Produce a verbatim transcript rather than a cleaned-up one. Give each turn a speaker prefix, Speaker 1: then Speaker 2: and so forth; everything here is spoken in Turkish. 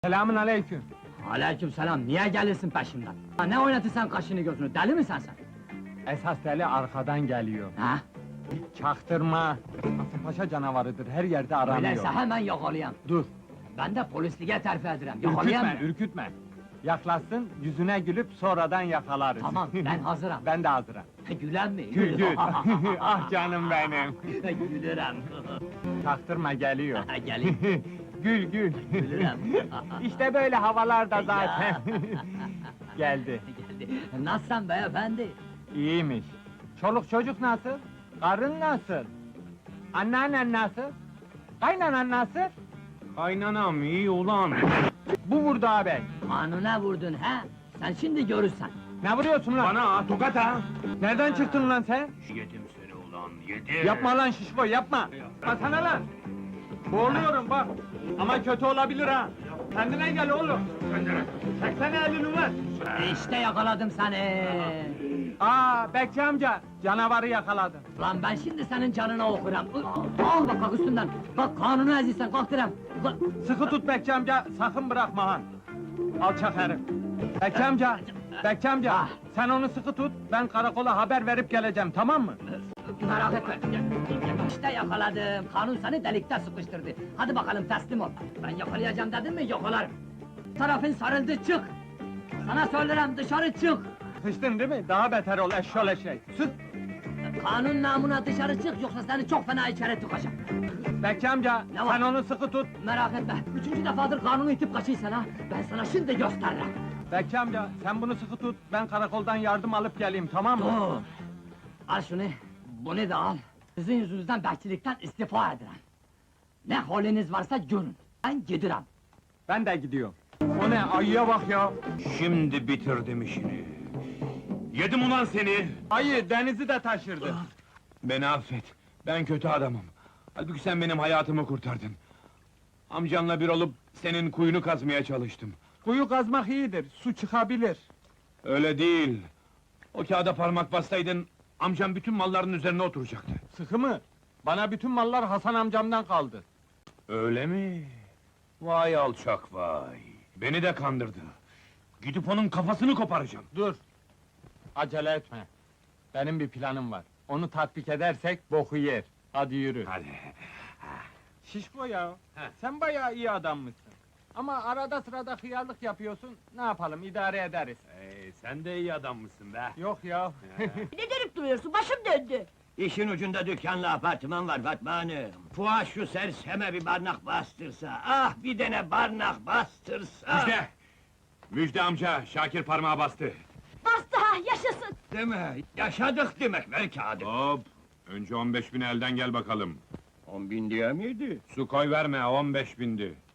Speaker 1: Selamün aleyküm.
Speaker 2: Aleykümselam, niye gelirsin peşimden? Ha, ne oynatırsan kaşını gözünü, deli misin sen?
Speaker 1: Esas deli arkadan geliyor.
Speaker 2: Ha?
Speaker 1: Çaktırma. Kasımpaşa canavarıdır, her yerde aranıyor.
Speaker 2: Öyleyse hemen yakalayayım.
Speaker 1: Dur,
Speaker 2: Ben de polisliğe terfi ederim,
Speaker 1: ürkütme,
Speaker 2: yakalayayım mı?
Speaker 1: ürkütme. Yaklaşsın, yüzüne gülüp sonradan yakalarız.
Speaker 2: Tamam, ben hazırım.
Speaker 1: Ben de hazırım.
Speaker 2: Gülen mi?
Speaker 1: Gül gül. Ah canım benim.
Speaker 2: Gülürüm.
Speaker 1: Çaktırma geliyor.
Speaker 2: Gelin.
Speaker 1: Gül gül.
Speaker 2: Gülürüm.
Speaker 1: İşte böyle havalarda zaten. Geldi.
Speaker 2: Geldi. Nasılsın beyefendi?
Speaker 1: İyiymiş. Çoluk çocuk nasıl? Karın nasıl? Anneannen nasıl? Kaynanan nasıl?
Speaker 3: Kaynanam iyi ulan.
Speaker 1: Bu vurdu ağabey.
Speaker 2: Kanuna vurdun ha? Sen şimdi görürsen.
Speaker 1: Ne vuruyorsun lan?
Speaker 3: Bana ha, tokat ha.
Speaker 1: Nereden çıktın lan sen?
Speaker 3: Yedim seni ulan, yedim.
Speaker 1: Yapma lan şişko, yapma! Basana lan! Boğuluyorum bak! Ama kötü olabilir ha! Kendine gel oğlum! Çeksene elini lan!
Speaker 2: İşte yakaladım seni.
Speaker 1: Aa, Bekçi amca! Canavarı yakaladım!
Speaker 2: Lan ben şimdi senin canına okuram. Al bak bak üstünden. Bak kanunu ezilsen kalk direm. Ulan,
Speaker 1: Sıkı tut Bekçi amca, sakın bırakma ha! Alçak herif! Bekçi amca! Bekçi amca!
Speaker 2: Ah.
Speaker 1: Sen onu sıkı tut, ben karakola haber verip geleceğim, tamam mı?
Speaker 2: Merak etme. İşte yakaladım. Kanun seni delikte sıkıştırdı. Hadi bakalım teslim ol. Ben yakalayacağım dedim mi yakalarım. Tarafın sarıldı çık. Sana söylerim dışarı çık.
Speaker 1: Sıçtın değil mi? Daha beter ol eşşol eşek! Sus!
Speaker 2: Kanun namına dışarı çık yoksa seni çok fena içeri tıkacağım.
Speaker 1: Bekçi amca,
Speaker 2: Ne var?
Speaker 1: sen onu sıkı tut!
Speaker 2: Merak etme. Üçüncü defadır kanunu itip kaçıysan ha. Ben sana şimdi gösteririm.
Speaker 1: Bekçi amca, sen bunu sıkı tut, ben karakoldan yardım alıp geleyim, tamam mı?
Speaker 2: Dur! Al şunu, bunu da al. Sizin yüzünüzden bekçilikten istifa ederim. Ne haliniz varsa görün. Ben gidiyorum.
Speaker 1: Ben de gidiyorum. O ne, ayıya bak ya!
Speaker 3: Şimdi bitirdim işini. Yedim ulan seni.
Speaker 1: Ayı, denizi de taşırdı.
Speaker 3: Beni affet, ben kötü adamım. Halbuki sen benim hayatımı kurtardın. Amcanla bir olup senin kuyunu kazmaya çalıştım.
Speaker 1: Kuyu kazmak iyidir, su çıkabilir.
Speaker 3: Öyle değil. O kağıda parmak bassaydın, amcam bütün malların üzerine oturacaktı.
Speaker 1: Sıkı mı? Bana bütün mallar Hasan amcamdan kaldı.
Speaker 3: Öyle mi? Vay alçak vay! Beni de kandırdı. Gidip onun kafasını koparacağım.
Speaker 1: Dur! Acele etme. Benim bir planım var. Onu tatbik edersek boku yer. Hadi yürü.
Speaker 3: Hadi.
Speaker 1: Şişko ya,
Speaker 3: He.
Speaker 1: sen bayağı iyi adammışsın. Ama arada sırada hıyarlık yapıyorsun, ne yapalım, idare ederiz.
Speaker 3: Ee, sen de iyi adam mısın be?
Speaker 1: Yok ya.
Speaker 4: Ne dönüp duruyorsun? Başım döndü.
Speaker 5: İşin ucunda dükkanlı apartman var Fatma Hanım. Fuat şu serseme bir barnak bastırsa, ah bir dene barnak bastırsa!
Speaker 3: Müjde! Müjde amca, Şakir parmağı bastı.
Speaker 4: Bastı ha, yaşasın!
Speaker 5: Değil mi? Yaşadık demek, ver kağıdı.
Speaker 3: Hop! Önce on beş bin elden gel bakalım.
Speaker 5: On bin diye miydi?
Speaker 3: Su koy verme, on beş bindi.